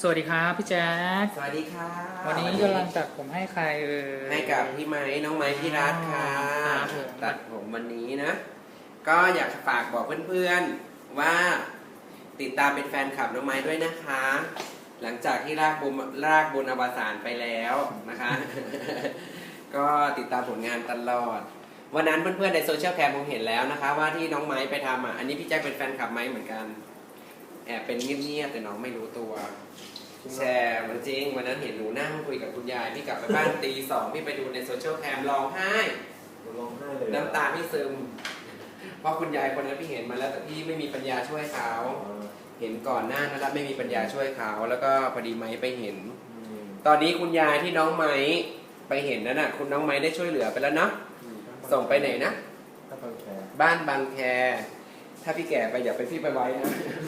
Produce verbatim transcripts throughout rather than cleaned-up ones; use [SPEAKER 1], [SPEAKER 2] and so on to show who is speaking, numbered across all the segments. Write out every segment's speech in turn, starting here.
[SPEAKER 1] สวัสดีครับพี่แจ๊ค
[SPEAKER 2] สวัสดีค่ะ
[SPEAKER 1] วันนี้กำลังตัดผมให้ใครเออ
[SPEAKER 2] ให้กับพี่ไม้น้องไม้พี่รัตค่ะตัดผมวันนี้นะก็อยากฝากบอกเพื่อนๆว่าติดตามเป็นแฟนคลับน้องไม้ด้วยนะคะ หลังจากที่รากบุญรากบุญอวสานไปแล้วนะคะก็ติดตามผลงานตลอดวันนั้นเพื่อนๆในโซเชียลแคมคงเห็นแล้วนะคะว่าที่น้องไม้ไปทำอ่ะอันนี้พี่แจ๊คเป็นแฟนคลับไม้เหมือนกันแอบเป็นเงียบๆแต่น้องไม่รู้ตัวแชร์มันจริงวันนั้นเห็นหนูนั่งคุยกับคุณยายพี่กลับไปบ้านตีสองพี่ไปดูในโซเชียลแคมร้องไห้
[SPEAKER 3] ร้องไห้เลย
[SPEAKER 2] น้ำตาพี่ซึมเพราะคุณยายคนนั้นพี่เห็นมาแล้วแต่พี่ไม่มีปัญญาช่วยเขาเห็นก่อนหน้านั้นแล้วไม่มีปัญญาช่วยเขาแล้วก็พอดีไม้ไปเห็นตอนนี้คุณยายที่น้องไม้ไปเห็นนั่นน่ะคุณน้องไม้ได้ช่วยเหลือไปแล้วเนาะส่งไปไหนนะบ้านบางแคถ้าพี่แก่ไปอย่าไปพี่ไปไว้นะ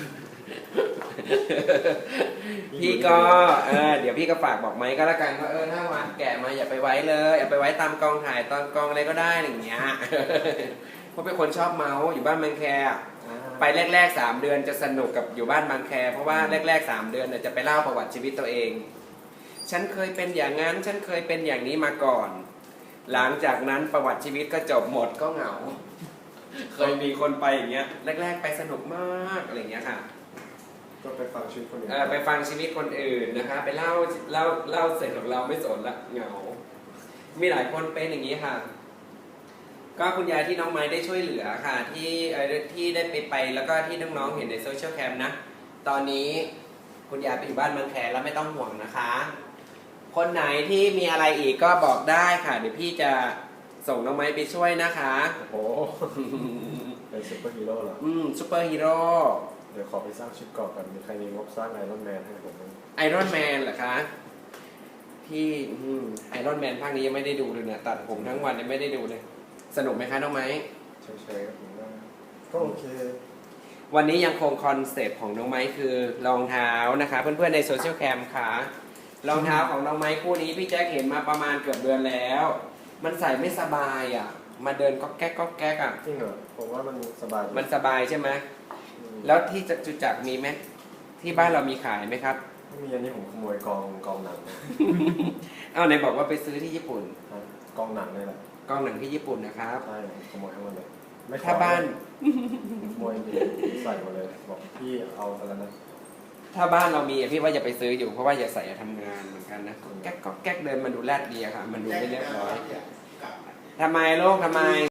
[SPEAKER 2] พี่ก็เออเดี๋ยวพี่ก็ฝากบอกไม้ก็แล้วกันว่าเออถ้าวันแก่มาอย่าไปไว้เลยอย่าไปไว้ตามกองถ่ายตอนกองอะไรก็ได้อย่างเงี้ยเพราะเป็นคนชอบเมาส์อยู่บ้านบางแคไปแรกๆสามเดือนจะสนุกกับอยู่บ้านบางแคเพราะว่าแรกๆสามเดือนเนี่ยจะไปเล่าประวัติชีวิตตัวเองฉันเคยเป็นอย่างนั้นฉันเคยเป็นอย่างนี้มาก่อนหลังจากนั้นประวัติชีวิตก็จบหมดก็เหงาเคยมีคนไปอย่างเงี้ยแรกๆไปสนุกมากอะไรอย่างเงี้ยค่ะ
[SPEAKER 3] ก็ไปฟังชีวิตคนอื่น
[SPEAKER 2] ไปฟังชีวิตคนอื่นนะคะไปเล่าเล่าเล่าเสร็จของเราไม่สนละเหงามีหลายคนเป็นอย่างนี้ค่ะก็คุณยายที่น้องไม้ได้ช่วยเหลือค่ะที่ที่ได้ไปไปแล้วก็ที่น้องๆเห็นในโซเชียลแคมนะตอนนี้คุณยายไปอยู่บ้านบางแคแล้วไม่ต้องห่วงนะคะคนไหนที่มีอะไรอีกก็บอกได้ค่ะเดี๋ยวพี่จะส่งน้องไม้ไปช่วยนะคะ
[SPEAKER 3] โอ้โหเป็นซุปเปอร์ฮีโร่เหรอ
[SPEAKER 2] อืมซุปเปอร์ฮีโร่
[SPEAKER 3] เดี๋ยวขอไปสร้างชุดเกราะกันมีใครมีงบสร้างไอรอนแมนให้ผมไหม
[SPEAKER 2] ไอรอนแมนเหรอคะพี่ไอรอนแมนภาคนี้ยังไม่ได้ดูเลยเนี่ยตัดผมทั้งวันยังไม่ได้ดูเลยสนุกไหมคะน้องไม้
[SPEAKER 3] ใช่ใช่ครับผมว่าก็โอเค
[SPEAKER 2] วันนี้ยังคงคอนเซปต์ของน้องไม้คือรองเท้านะคะเพื่อนๆในโซเชียลแคมค่ะรองเท้าของน้องไม้คู่นี้พี่แจ๊คเห็นมาประมาณเกือบเดือนแล้วมันใส่ไม่สบายอ่ะมาเดินก็แก๊กก็แก๊กอ่ะ
[SPEAKER 3] จริงเหรอผมว่ามันสบาย
[SPEAKER 2] มันสบายใช่ไหมแล้วที่จุจักมีไหมที่บ้านเรามีขายไหมครับ
[SPEAKER 3] ไม่มีอันนี้ผมขโมยกองกองหนัง
[SPEAKER 2] อ้าวไหนบอกว่าไปซื้อที่ญี่ปุ่น
[SPEAKER 3] กองหนังนี่แหละ
[SPEAKER 2] กองหนังที่ญี่ปุ่นนะครับ
[SPEAKER 3] ใช่ขโมยทั้งหมดเลย
[SPEAKER 2] ไม่ถ้าบ้าน
[SPEAKER 3] ขโมยใส่หมดเลยบอกพี่เอาไปแล้วนะ
[SPEAKER 2] ถ้าบ้านเรามีพี่ว่าอย่าไปซื้ออยู่เพราะว่าอย่าใส่ทำงานเหมือนกันนะแก๊กก็แก๊กเดินมันดูแรดดีอะค่ะมันดูไม่เรียบร้อยทำไมโลกทำไม